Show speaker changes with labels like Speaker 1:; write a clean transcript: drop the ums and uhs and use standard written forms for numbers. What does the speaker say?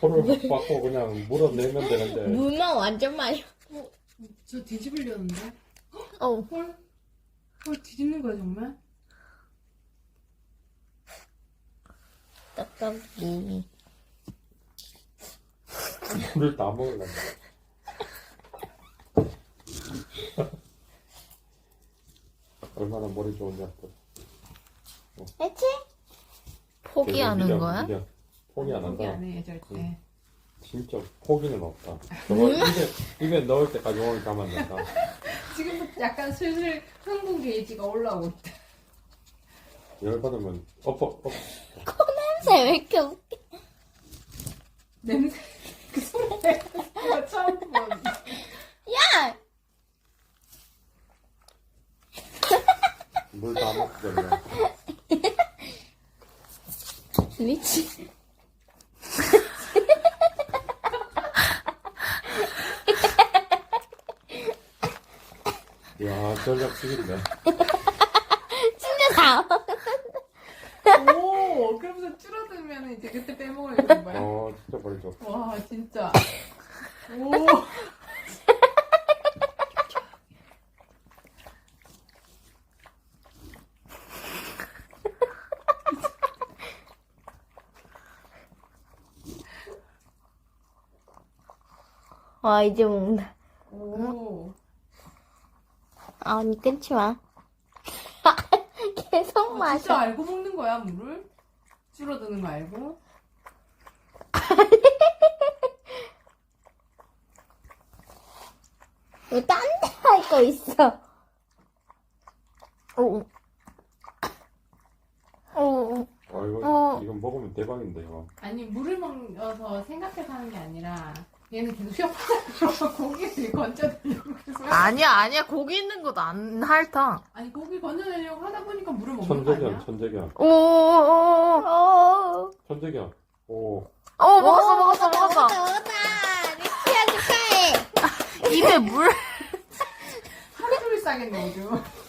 Speaker 1: 손을 확 받고 그냥 물어내면 되는데.
Speaker 2: 물만 완전 많이.
Speaker 3: 저 뒤집으려는데?
Speaker 2: 어.
Speaker 3: 헐 뒤집는 거야 정말?
Speaker 2: 떡볶이.
Speaker 1: 물을 다 먹으려고. 얼마나 머리 좋은지 또.
Speaker 2: 했지? 포기하는 거야?
Speaker 1: 포기 안
Speaker 3: 포기
Speaker 1: 한다.
Speaker 3: 안 해 절대.
Speaker 1: 진짜 포기는 없다. 저거 입에 넣을 때까지 오늘 가만 둔다.
Speaker 3: 지금부터 약간 슬슬 흥분 게이지가 올라오고 있다.
Speaker 1: 열받으면 엎어.
Speaker 2: 냄새 왜 이렇게 웃겨?
Speaker 3: 냄새 그 소리 내가 처음 본.
Speaker 2: 야!
Speaker 1: 물 다 먹거든요.
Speaker 2: 미치.
Speaker 1: 이야, 전략 쓰긴데.
Speaker 2: 진짜 다.
Speaker 3: 오 그러면서 줄어들면 이제 그때 빼먹어야 되는 거야.
Speaker 1: 진짜 머리 좋아.
Speaker 3: 와 진짜. 오.
Speaker 2: 와, 이제 먹는다.
Speaker 3: 오.
Speaker 2: 아, 언니 끊지 마. 계속
Speaker 3: 진짜
Speaker 2: 마셔.
Speaker 3: 알고 먹는 거야 물을? 줄어드는 거 알고?
Speaker 2: 왜 딴 데 할 거 있어? 오. 오.
Speaker 1: 이건 먹으면 대박인데, 이거.
Speaker 3: 아니 물을 먹어서 생각해서 하는 게 아니라 얘는 계속 쉬어서 고기를 건져내려고 계속
Speaker 4: 아니야. 고기 있는 것도 안 핥아.
Speaker 3: 아니 고기 건져내려고 하다 보니까 물을 먹는 거 아니야?
Speaker 1: 천재견.
Speaker 2: 오.
Speaker 1: 천재견. 오.
Speaker 4: 먹었어.
Speaker 2: 먹었다. 리치야 축하해.
Speaker 4: 입에 물.
Speaker 3: 하루 종일 싸겠네 요즘.